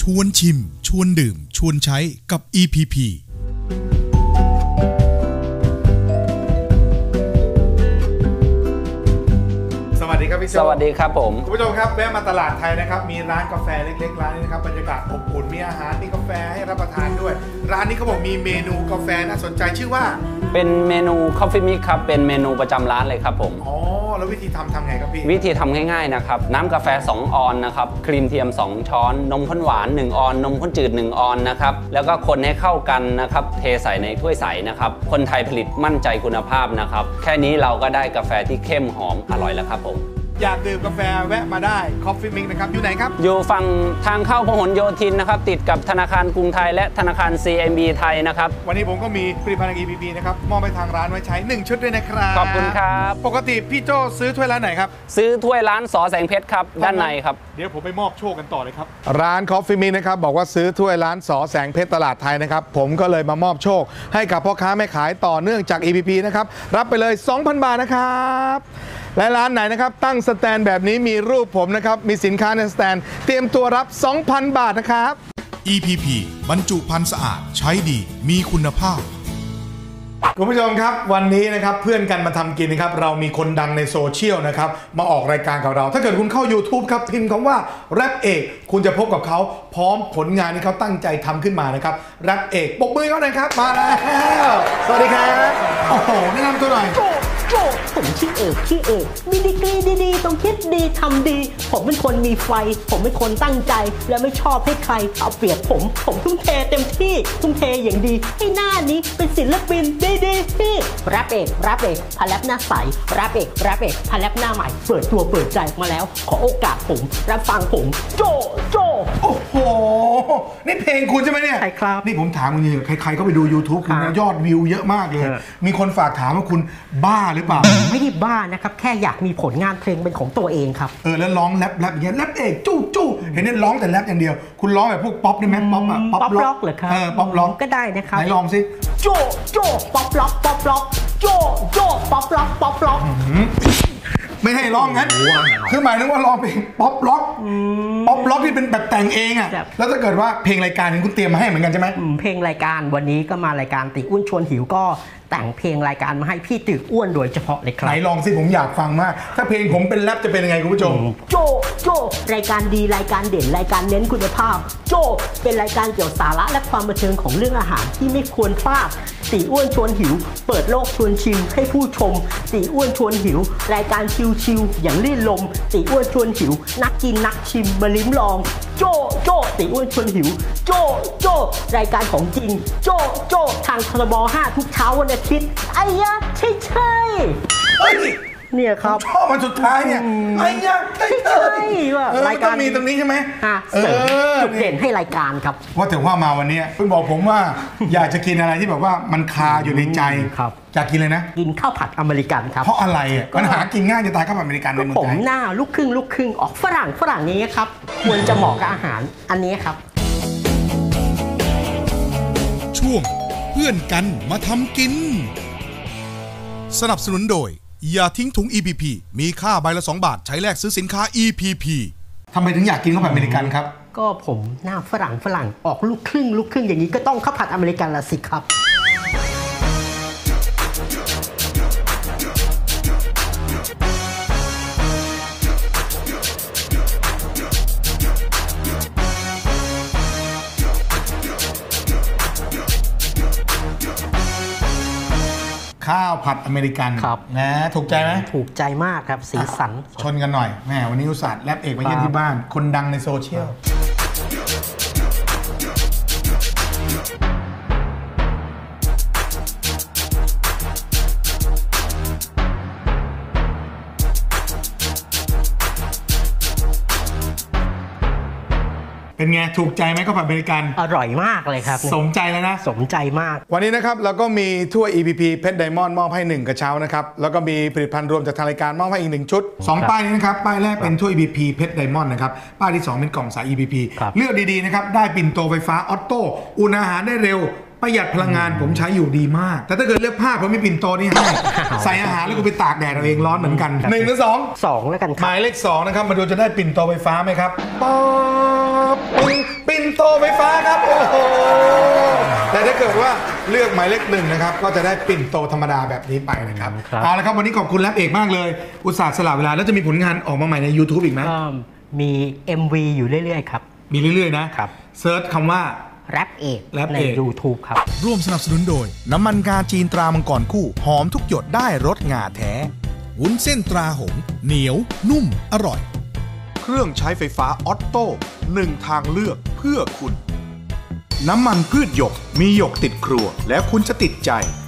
วนชิมชวนดื่มชวนใช้กับ EPP สวัสดีครับพี่โจสวัสดีครับผมคุณผู้ชมครับแวะมาตลาดไทยนะครับมีร้านกาแฟเล็กๆร้านนี้นะครับบรรยากาศอบอุ่นมีอาหารมีกาแฟให้รับประทานด้วยร้านนี้เขาบอกมีเมนูกาแฟน่าสนใจชื่อว่าเป็นเมนู Coffee Mix ครับเป็นเมนูประจำร้านเลยครับผมอ๋อแล้ววิธีทำไงครับพี่วิธีทำง่ายๆนะครับน้ำกาแฟ2ออนนะครับครีมเทียม2ช้อนนมข้นหวาน1ออนนมข้นจืด1ออนนะครับแล้วก็คนให้เข้ากันนะครับเทใส่ในถ้วยใสนะครับคนไทยผลิตมั่นใจคุณภาพนะครับแค่นี้เราก็ได้กาแฟที่เข้มหอมอร่อยแล้วครับผมอยากดื่มกาแฟแวะมาได้ Coffee Mix นะครับอยู่ไหนครับอยู่ฝั่งทางเข้าพหลโยธินนะครับติดกับธนาคารกรุงไทยและธนาคาร CMB ไทยนะครับวันนี้ผมก็มีผลิตภัณฑ์ EPP นะครับมอบไปทางร้านไว้ใช้1ชุดด้วยนะครับขอบคุณครับปกติพี่โจซื้อถ้วยร้านไหนครับซื้อถ้วยร้านสอแสงเพชรครับด้านในครับเดี๋ยวผมไปมอบโชคกันต่อเลยครับร้าน Coffee Mix นะครับบอกว่าซื้อถ้วยร้านสอแสงเพชรตลาดไทยนะครับผมก็เลยมามอบโชคให้กับพ่อค้าแม่ขายต่อเนื่องจาก EPP นะครับรับไปเลย 2,000 บาทนะครับและร้านไหนนะครับตั้งสแตนแบบนี้มีรูปผมนะครับมีสินค้าในสแตนเตรียมตัวรับ 2,000 บาทนะครับ EPP บรรจุภัณฑ์สะอาดใช้ดีมีคุณภาพคุณผู้ชมครับวันนี้นะครับเพื่อนกันมาทำกินนะครับเรามีคนดังในโซเชียลนะครับมาออกรายการกับเราถ้าเกิดคุณเข้า YouTube ครับพิมพ์คำว่าแรปเอกคุณจะพบกับเขาพร้อมผลงานที่เขาตั้งใจทำขึ้นมานะครับแรปเอกปรบมือเขาหน่อยครับมาแล้วสวัสดีครับโอ้โหแนะนำตัวหน่อยผมชื่อเอกมีดีกรีดีๆต้องคิดดีทำดีผมเป็นคนมีไฟผมเป็นคนตั้งใจและไม่ชอบให้ใครเอาเปรียบผมทุ่มเทเต็มที่ทุ่มเทอย่างดีให้หน้านี้เป็นศิลปินดีที่แรปเอกพาแรปหน้าใสแรปเอกพาแรปหน้าใหม่เปิดตัวเปิดใจมาแล้วขอโอกาสผมรับฟังผมโจโอ้โหนี่เพลงคุณใช่ไหมเนี่ยใช่ครับนี่ผมถามคุณจริงใครๆก็ไปดู YouTube คุณยอดวิวเยอะมากเลยมีคนฝากถามว่าคุณบ้าหรือเปล่าไม่ได้บ้านะครับแค่อยากมีผลงานเพลงเป็นของตัวเองครับแล้วร้องแรปอย่างเงี้ยแรปเอกจู้เห็นเนี่ยร้องแต่แรปอย่างเดียวคุณร้องแบบพวกป๊อปได้ไหมป๊อปอะป๊อปล็อกเหรอครับป๊อปล็อกก็ได้นะครับไหนลองสิโจป๊อปล็อกโจป๊อปล็อกไม่ให้ร้องงั้นคือหมายถึงว่าร้องเพลงป๊อปล็อกที่เป็นแบบแต่งเองอ่ะแล้วถ้าเกิดว่าเพลงรายการคุณเตรียมมาให้เหมือนกันใช่ไหมเพลงรายการวันนี้ก็มารายการติอ้วนชวนหิวก็แต่งเพลงรายการมาให้พี่ตึกอ้วนโดยเฉพาะเลยครับไหนลองสิผมอยากฟังมากถ้าเพลงผมเป็นแรปจะเป็นยังไงคุณผู้ชมโจรายการดีรายการเด่นรายการเน้นคุณภาพโจเป็นรายการเกี่ยวสาระและความบันเทิงของเรื่องอาหารที่ไม่ควรพลาดติอ้วนชวนหิวเปิดโลกชวนชิมให้ผู้ชมติอ้วนชวนหิวรายการชิลๆอย่างลื่นลมติอ้วนชวนหิวนักกินนักชิมมาลิ้มลองโจติอ้วนชวนหิวโจรายการของจริงโจทางทรบ5ทุกเช้าวันอาทิตย์ไอ้ยะใช่เนี่ยครับชอบมันสุดท้ายเนี่ยไอ้ยะใช่ว่ารายการมีตรงนี้ใช่ไหมจุดเด่นให้รายการครับว่าถึงว่ามาวันนี้เพิ่งบอกผมว่าอยากจะกินอะไรที่แบบว่ามันคาอยู่ในใจครับอยากกินเลยนะกินข้าวผัดอเมริกันครับเพราะอะไรอ่ะมันหากินง่ายจะตายข้าวผัดอเมริกันในเมืองไทยผมหน้าลูกครึ่งออกฝรั่งนี้ครับควรจะเหมาะกับอาหารอันนี้ครับช่วงเพื่อนกันมาทำกินสนับสนุนโดยอย่าทิ้งถุง EPP มีค่าใบละ2 บาทใช้แลกซื้อสินค้า EPP ทำไมถึงอยากกินข้าวผัดอเมริกันครับก็ผมหน้าฝรั่งออกลูกครึ่งอย่างนี้ก็ต้องข้าวผัดอเมริกันละสิครับข้าวผัดอเมริกันนะถูกใจไหมถูกใจมากครับสีสันชนกันหน่อยแม่วันนี้อุตส่าห์แรปเอกมาเยี่ยมที่บ้านคนดังในโซเชียลเป็นไงถูกใจไหมข้าวผัดอเมริกันอร่อยมากเลยครับสมใจแล้วนะสมใจมากวันนี้นะครับเราก็มีถ้วย EPP เพชรไดมอนด์มอบให้1กระเช้านะครับแล้วก็มีผลิตภัณฑ์รวมจากทางรายการมอบให้อีก1ชุด2ป้ายนี้นะครับป้ายแรกเป็นถ้วย EPP เพชรไดมอนด์นะครับป้ายที่2เป็นกล่องสาย EPP เลือกดีๆนะครับได้ปิ่นโตไฟฟ้าออโต้อุ่นอาหารได้เร็วประหยัดพลังงานผมใช้อยู่ดีมากแต่ถ้าเกิดเลือกผ้าผมมีปิ่นโตนี่ให้ใส่อาหารแล้วกูไปตากแดดเอาเองร้อนเหมือนกัน1 หรือ 2 2แล้วกันคหรับมายเลข2นะครับมาดูจะได้ปิ่นโตไฟฟ้าไหมครับป๊อปปิ่นโตไฟฟ้าครับโอ้โหแต่ถ้าเกิดว่าเลือกหมายเลข1นะครับก็จะได้ปิ่นโตธรรมดาแบบนี้ไปนะครับเอาละครับวันนี้ขอบคุณแรปเอกมากเลยอุตส่าห์สละเวลาแล้วจะมีผลงานออกมาใหม่ใน YouTube อีกไหมก็มี MV อยู่เรื่อยๆครับมีเรื่อยๆนะครับ เซิร์ชคำว่าแรปเอกแรปในเอก YouTube ครับร่วมสนับสนุนโดย น้ำมันงาจีนตรามังกรคู่หอมทุกหยดได้รสงาแท้วุ้นเส้นตราหงส์เหนียวนุ่มอร่อย เครื่องใช้ไฟฟ้าออตโต้1 ทางเลือกเพื่อคุณ น้ำมันพืชหยกมีหยกติดครัวแล้วคุณจะติดใจ